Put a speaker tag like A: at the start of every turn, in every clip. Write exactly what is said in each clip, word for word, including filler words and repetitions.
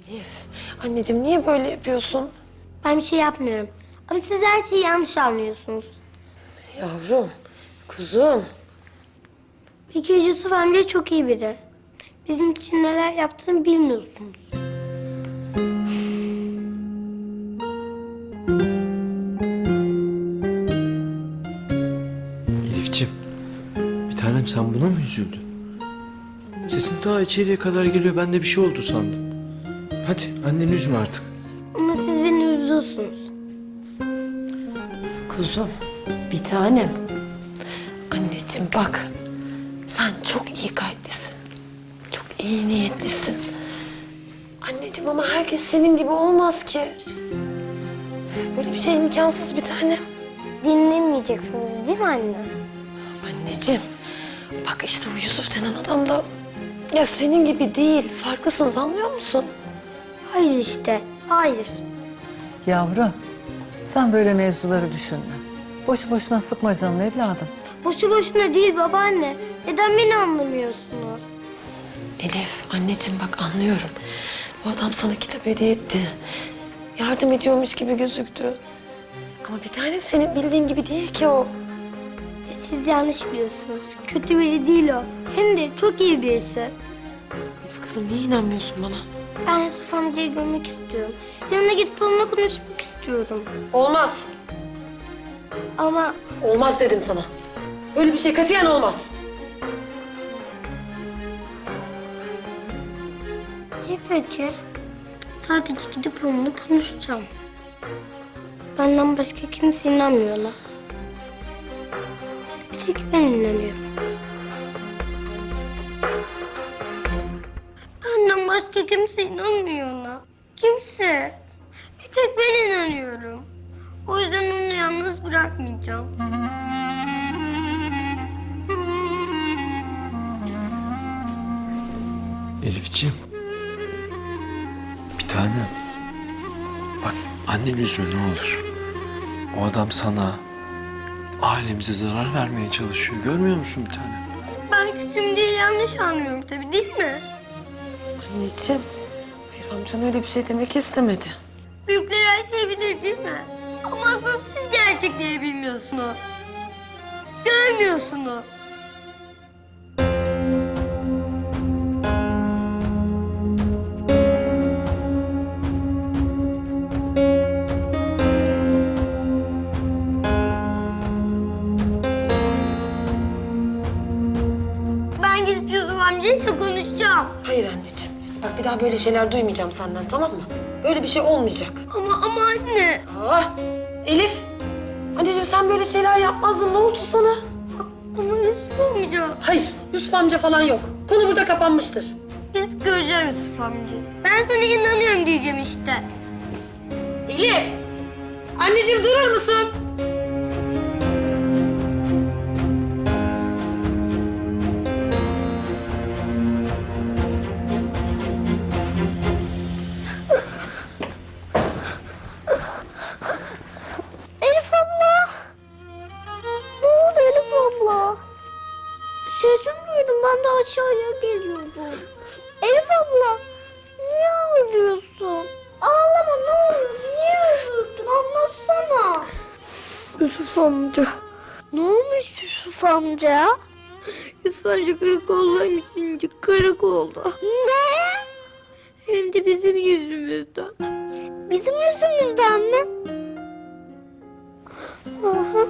A: Elif, anneciğim niye böyle yapıyorsun?
B: Ben bir şey yapmıyorum. Ama siz her şeyi yanlış anlıyorsunuz.
A: Yavrum, kuzum.
B: Bir kere Yusuf amca çok iyi biri. Bizim için neler yaptığını bilmiyorsunuz.
C: Elifciğim, bir tanem sen buna mı üzüldün? Sesin daha içeriye kadar geliyor. Ben de bir şey oldu sandım. Hadi anneni üzme artık.
B: Ama siz beni üzüyorsunuz.
A: Kuzum, bir tanem. Anneciğim bak, sen çok iyi kalplisin. Çok iyi niyetlisin. Anneciğim ama herkes senin gibi olmaz ki. Böyle bir şey imkansız bir tanem.
B: Dinlemeyeceksiniz değil mi anne?
A: Anneciğim, bak işte bu Yusuf denen adam da... Ya senin gibi değil, farklısınız anlıyor musun?
B: Hayır işte, hayır.
D: Yavrum, sen böyle mevzuları düşünme. Boşu boşuna sıkma canını evladım.
B: Boşu boşuna değil babaanne. Neden beni anlamıyorsunuz?
A: Elif, anneciğim bak anlıyorum. Bu adam sana kitap hediye etti. Yardım ediyormuş gibi gözüktü. Ama bir tanem senin bildiğin gibi değil ki o.
B: E, Siz yanlış biliyorsunuz. Kötü biri değil o. Hem de çok iyi birisi.
A: Elif kızım niye inanmıyorsun bana?
B: Ben Yusuf amcayı görmek istiyorum. Yanına gidip onunla konuşmak istiyorum.
A: Olmaz.
B: Ama
A: Olmaz dedim sana. Böyle bir şey katiyen olmaz.
B: iyi peki. Sadece gidip onunla konuşacağım. Benden başka kimse inanmıyor ona. Bir tek ben inanıyorum. Benden başka kimse inanmıyor ona. Kimse. Bir tek ben inanıyorum. O yüzden onu yalnız bırakmayacağım.
C: Elifciğim. Bir tanem. Bak anneni üzme ne olur. O adam sana, ailemize zarar vermeye çalışıyor. Görmüyor musun bir tanem?
B: Ben küçüğüm diye yanlış anlıyorum tabii değil mi?
A: Anneciğim, hayır amcan öyle bir şey demek istemedi.
B: Büyükler her şeyi bilir değil mi? Ama aslında siz gerçekleri bilmiyorsunuz. Görmüyorsunuz. Ben gidip Yusuf amcayla konuşacağım.
A: Hayır anneciğim. Bak bir daha böyle şeyler duymayacağım senden tamam mı? Böyle bir şey olmayacak.
B: Ama ama anne.
A: Aa, Elif. Anneciğim sen böyle şeyler yapmazdın. Ne oldu sana?
B: Ama Yusuf amca.
A: Hayır, Yusuf amca falan yok. Konu burada kapanmıştır.
B: Gidip göreceğim Yusuf amcayı. Ben sana inanıyorum diyeceğim işte.
A: Elif! Anneciğim durur musun?
B: Elif abla. Ne oldu Elif abla? Sesimi duydum ben de aşağıya geliyordum. Elif abla niye ağlıyorsun? Ağlama ne olur niye üzüldün anlatsana. Yusuf amca. Ne olmuş Yusuf amca? Yusuf amca karakoldaymış şimdi karakolda. Ne? Hem de bizim yüzümüzden. Bizim yüzümüzden mi? Aha.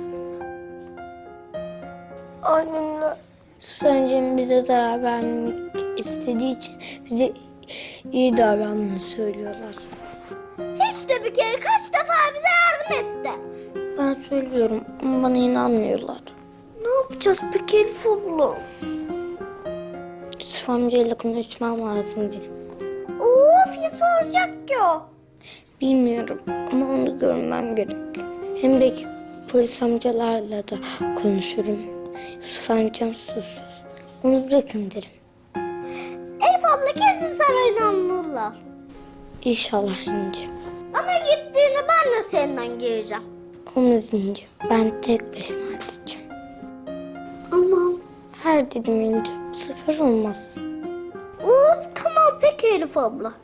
B: Annemler Yusuf amcanın bize zarar vermek istediği için bize iyi davranmayı söylüyorlar. Hiç de bir kere kaç defa bize yardım etti. Ben söylüyorum ama bana inanmıyorlar. Ne yapacağız peki Elif abla? Yusuf amcayla konuşmam lazım benim. Of ya soracak ki o. Bilmiyorum ama onu görmem gerek. Hem belki polis amcalarla da konuşurum. Yusuf amcam susuz. Onu bırakın derim. Elif abla kesin sana inanırlar. İnşallah İnce. Ama gittiğinde ben de senden geleceğim. Olmaz İnce. Ben tek başıma halledeceğim. Ama her dedim İnce. Bu sefer olmaz. Of tamam peki Elif abla.